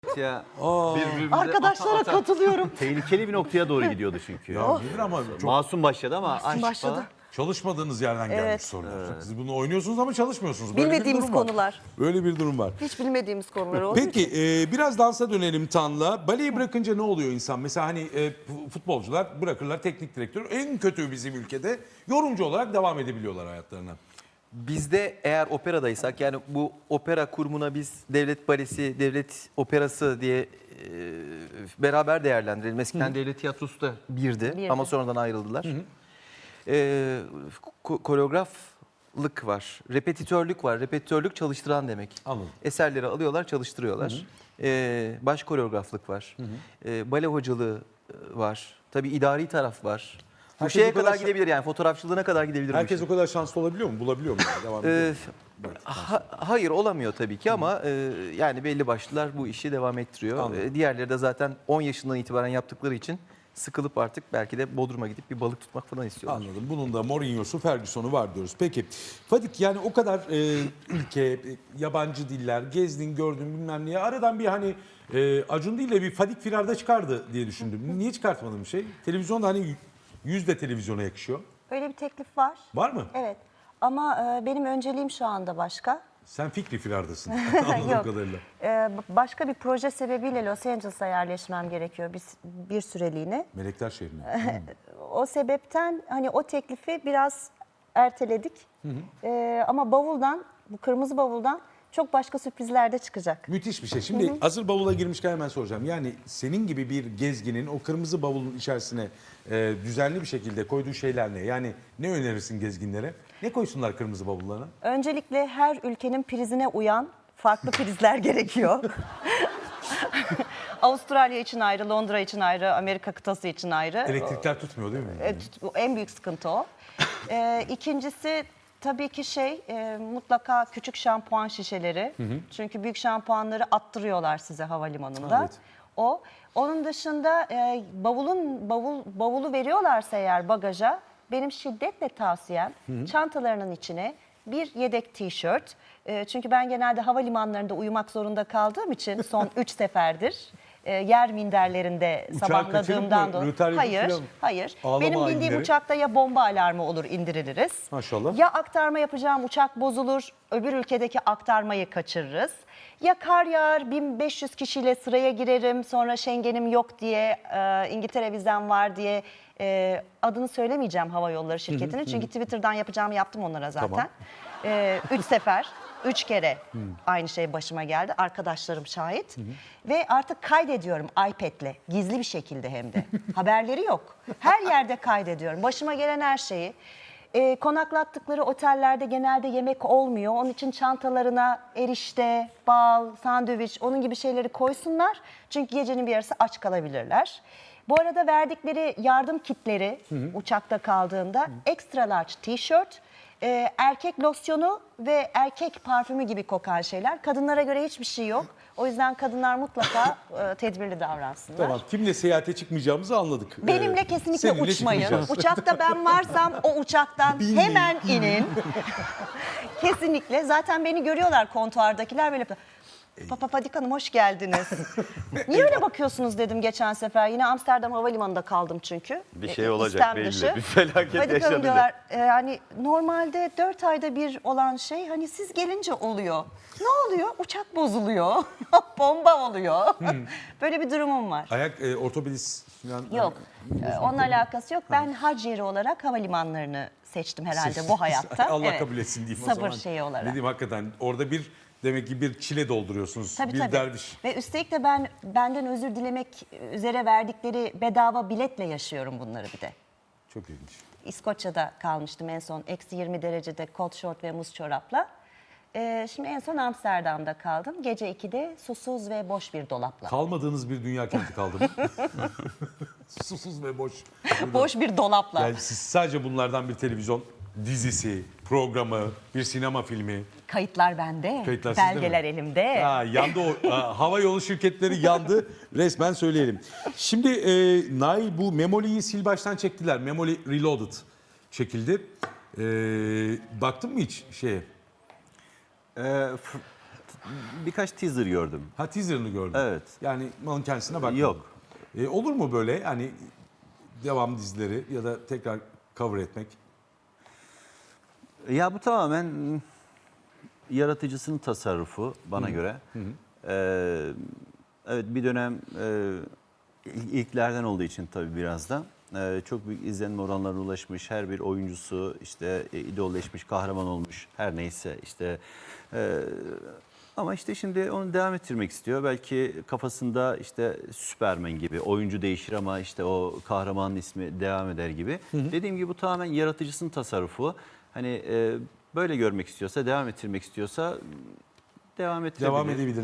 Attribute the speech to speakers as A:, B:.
A: Ya,
B: Arkadaşlara katılıyorum.
A: tehlikeli bir noktaya doğru gidiyordu çünkü.
C: Ya nedir ama çok
A: Masum başladı ama aşk
B: başladı.
A: falan.
C: çalışmadığınız yerden gelmiş
B: Evet.
C: sorular. Siz bunu oynuyorsunuz ama çalışmıyorsunuz. Böyle bir
B: Bilmediğimiz
C: durum var.
B: konular.
C: Böyle bir durum var.
B: Hiç bilmediğimiz konular olduğu
C: Peki
B: için.
C: biraz dansa dönelim Tan'la. Baleyi bırakınca ne oluyor insan? Mesela hani futbolcular bırakırlar teknik direktör. En kötü bizim ülkede yorumcu olarak devam edebiliyorlar hayatlarına.
A: Bizde eğer operadaysak, yani bu opera kurumuna biz devlet balesi, devlet operası diye beraber değerlendirelim. Eskiden devlet tiyatrosu da birdi ama sonradan ayrıldılar. Koreograflık var, repetitörlük var. Repetitörlük çalıştıran demek.
C: Anladım.
A: Eserleri alıyorlar, çalıştırıyorlar. Baş koreograflık var. Bale hocalığı var. Tabii idari taraf var. Bu
C: Herkes
A: şeye
C: o kadar
A: kadar gidebilir, yani fotoğrafçılığına kadar gidebilir. bu
C: Herkes
A: işin.
C: o kadar şanslı olabiliyor mu? Bulabiliyor mu? Devam ediyor mu?
A: Hayır, olamıyor tabii ki ama yani belli başlılar bu işi devam ettiriyor.
C: Anladım.
A: Diğerleri de zaten 10 yaşından itibaren yaptıkları için sıkılıp artık belki de Bodrum'a gidip bir balık tutmak falan istiyorlar.
C: Anladım. Bunun da Mourinho'su, Ferguson'u var diyoruz. Peki Fadik, yani o kadar ülke, yabancı diller, gezdin, gördün bilmem neye. Aradan bir hani Acun değil de bir Fadik Firar'da çıkardı diye düşündüm. Niye çıkartmadın bir şey? Televizyonda hani yüz de televizyona yakışıyor.
B: Öyle bir teklif var.
C: Var mı?
B: Evet. Ama benim önceliğim şu anda başka.
C: Sen Fikri Firar'dasın anladığım
B: Yok.
C: kadarıyla.
B: Başka bir proje sebebiyle Los Angeles'a yerleşmem gerekiyor bir süreliğine.
C: Melekler şehrine.
B: O sebepten hani o teklifi biraz erteledik. Ama bavuldan, bu kırmızı bavuldan çok başka sürprizler de çıkacak.
C: Müthiş bir şey. Şimdi hazır bavula girmişken hemen soracağım. Yani senin gibi bir gezginin o kırmızı bavulun içerisine düzenli bir şekilde koyduğu şeyler ne? Yani ne önerirsin gezginlere? Ne koysunlar kırmızı bavullarına?
B: Öncelikle her ülkenin prizine uyan farklı prizler gerekiyor. Avustralya için ayrı, Londra için ayrı, Amerika kıtası için ayrı.
C: Elektrikler tutmuyor değil mi?
B: En büyük sıkıntı o. İkincisi tabii ki mutlaka küçük şampuan şişeleri. Çünkü büyük şampuanları attırıyorlar size havalimanında.
C: Evet.
B: O. Onun dışında bavulu veriyorlarsa eğer bagaja, benim şiddetle tavsiyem çantalarının içine bir yedek tişört. Çünkü ben genelde havalimanlarında uyumak zorunda kaldığım için son 3 seferdir yer minderlerinde
C: Uçağı
B: sabahladığımdan
C: kaçırıp mı?
B: dolayı.
C: Rötar yapıp filan mı?
B: Hayır.
C: Ağlama
B: Benim bildiğim
C: ayinleri.
B: uçakta ya bomba alarmı olur, indiriliriz.
C: Maşallah.
B: Ya aktarma yapacağım uçak bozulur, öbür ülkedeki aktarmayı kaçırırız. Ya kar yağar, 1500 kişiyle sıraya girerim, sonra Schengen'im yok diye, İngiltere vizem var diye adını söylemeyeceğim hava yolları şirketinin. Çünkü Twitter'dan yapacağımı yaptım onlara zaten. 3 sefer. 3 kere aynı şey başıma geldi. Arkadaşlarım şahit. Ve artık kaydediyorum iPad'le. Gizli bir şekilde hem de. Haberleri yok. Her yerde kaydediyorum. Başıma gelen her şeyi. Konaklattıkları otellerde genelde yemek olmuyor. Onun için çantalarına erişte, bal, sandviç, onun gibi şeyleri koysunlar. Çünkü gecenin bir yarısı aç kalabilirler. Bu arada verdikleri yardım kitleri uçakta kaldığında extra large tişört, erkek losyonu ve erkek parfümü gibi kokan şeyler. Kadınlara göre hiçbir şey yok. O yüzden kadınlar mutlaka tedbirli davransınlar.
C: Tamam. Kimle seyahate çıkmayacağımızı anladık.
B: Benimle kesinlikle
C: Seninle
B: uçmayın.
C: çıkmayacağız.
B: Uçakta ben varsam o uçaktan hemen inin. Kesinlikle. Zaten beni görüyorlar kontuardakiler böyle. Papa Fadik Hanım hoş geldiniz. Niye öyle bakıyorsunuz dedim geçen sefer. Yine Amsterdam Havalimanı'nda kaldım çünkü.
A: Bir şey olacak
B: İstem
A: belli.
B: dışı.
A: Bir felaket
B: Fadik Hanım
A: yaşadı.
B: diyorlar hani normalde 4 ayda bir olan şey hani siz gelince oluyor. Ne oluyor? Uçak bozuluyor. Bomba oluyor. Böyle bir durumum var.
C: Ayak ortopedist falan.
B: Yok. Onunla alakası yok. Ben hac yeri olarak havalimanlarını seçtim herhalde bu hayatta.
C: Allah
B: Evet.
C: kabul etsin diyeyim o
B: Sabır
C: zaman.
B: şeyi olarak.
C: Ne diyeyim, hakikaten orada demek ki bir çile dolduruyorsunuz.
B: Tabii,
C: bir
B: tabii.
C: derviş.
B: Ve üstelik de ben benden özür dilemek üzere verdikleri bedava biletle yaşıyorum bunları bir de.
C: Çok ilginç.
B: İskoçya'da kalmıştım en son. Eksi 20 derecede kot şort ve muz çorapla. Şimdi en son Amsterdam'da kaldım. Gece 2'de susuz ve boş bir dolapla.
C: Kalmadığınız bir dünya kenti kaldı mı? Susuz ve boş.
B: Boş bir dolapla.
C: Yani siz sadece bunlardan bir televizyon dizisi, programı, bir sinema filmi.
B: Kayıtlar bende.
C: Kayıtlar sizde mi?
B: Belgeler elimde.
C: Yandı o. Hava yolu şirketleri yandı. Resmen söyleyelim. Şimdi Nail, bu Memoli'yi sil baştan çektiler. Memoli Reloaded çekildi. Baktın mı hiç şeye?
D: birkaç teaser gördüm.
C: Ha, teaser'ını gördüm.
D: Evet.
C: Yani malın kendisine bakmadın.
D: Yok.
C: Olur mu böyle hani devam dizileri ya da tekrar cover etmek?
D: Ya bu tamamen yaratıcısının tasarrufu bana göre. Evet, bir dönem ilklerden olduğu için tabii biraz da çok büyük izlenme oranlarına ulaşmış. Her bir oyuncusu işte idolleşmiş, kahraman olmuş, her neyse işte. Ama işte şimdi onu devam ettirmek istiyor. Belki kafasında işte Süperman gibi oyuncu değişir ama işte o kahramanın ismi devam eder gibi. Dediğim gibi bu tamamen yaratıcısının tasarrufu. Hani böyle görmek istiyorsa, devam ettirmek istiyorsa devam ettirebilir.
C: Devam edebilir.